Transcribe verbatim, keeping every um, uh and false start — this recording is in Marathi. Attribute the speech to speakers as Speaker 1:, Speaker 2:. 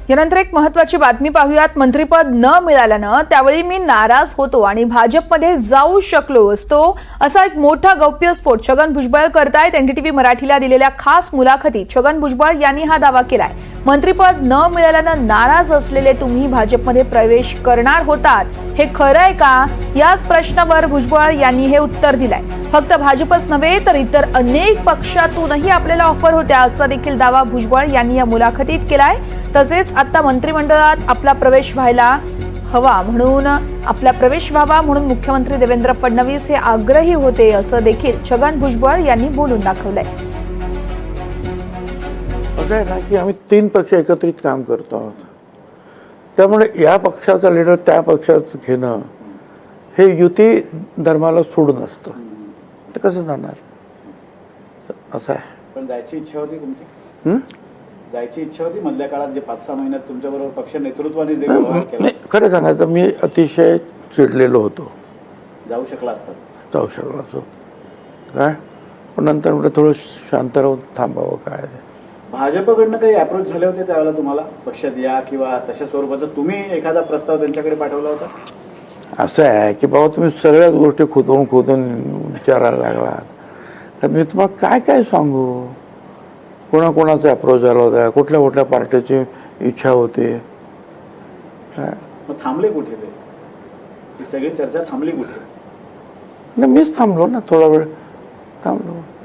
Speaker 1: यानंतर एक महत्त्वाची बातमी पाहूयात। मंत्रिपद न मिळाल्यानं त्यावेळी मी नाराज होतो आणि भाजपमध्ये जाऊ शकलो असतो असा एक मोठा गौप्यस्फोट छगन भुजबळ करतायत। एनडीटीव्ही मराठीला दिलेल्या खास मुलाखतीत छगन भुजबळ यांनी हा दावा केलाय। मंत्रिपद न मिळाल्यानं नाराज असलेले तुम्ही भाजपमध्ये प्रवेश करणार होतात, हे खरं आहे का? याच प्रश्नावर भुजबळ यांनी हे उत्तर दिलंय। फक्त भाजपच नव्हे तर इतर अनेक पक्षातूनही आपल्याला ऑफर होत्या असा देखील दावा भुजबळ यांनी या मुलाखतीत केलाय। तसेच आता मंत्रिमंडळात आपला प्रवेश व्हायला हवा म्हणून आपला प्रवेश व्हावा म्हणून मुख्यमंत्री देवेंद्र फडणवीस हे आग्रही होते असं देखील छगन भुजबळ यांनी बोलून दाखवलंय।
Speaker 2: असं आहे ना की आम्ही तीन पक्ष एकत्रित काम करतो आहोत, त्यामुळे या पक्षाचा लीडर त्या पक्षाचं घेणं हे युती धर्माला सोडून असतं, ते कसं जाणार असं आहे।
Speaker 3: पण जायची इच्छा होती तुमची? जायची इच्छा होती मधल्या काळात जे पाच सहा महिन्यात तुमच्याबरोबर पक्ष नेतृत्वाने जे व्यवहार केला?
Speaker 2: खरं सांगायचं मी अतिशय चिडलेलो होतो।
Speaker 3: जाऊ शकला असता?
Speaker 2: जाऊ शकलो असतो काय, पण नंतर म्हणजे थोडं शांत राहून थांबावं काय।
Speaker 3: भाजपकडनं काही अप्रोच झाले होते त्यावेळेला तुम्हाला पक्षात या किंवा तशा स्वरूपाचा तुम्ही एखादा प्रस्ताव त्यांच्याकडे पाठवला होता?
Speaker 2: असं आहे की बाबा तुम्ही सगळ्याच गोष्टी खोदून खोदून विचारायला लागलात, तर मी तुम्हाला काय काय सांगू, कोणाकोणाचा अप्रोच झाला होता, कुठल्या कुठल्या पार्टीची इच्छा होती।
Speaker 3: मग थांबले कुठे ते? ही सगळी चर्चा थांबली कुठे?
Speaker 2: मीच थांबलो ना, थोडा वेळ थांबलो।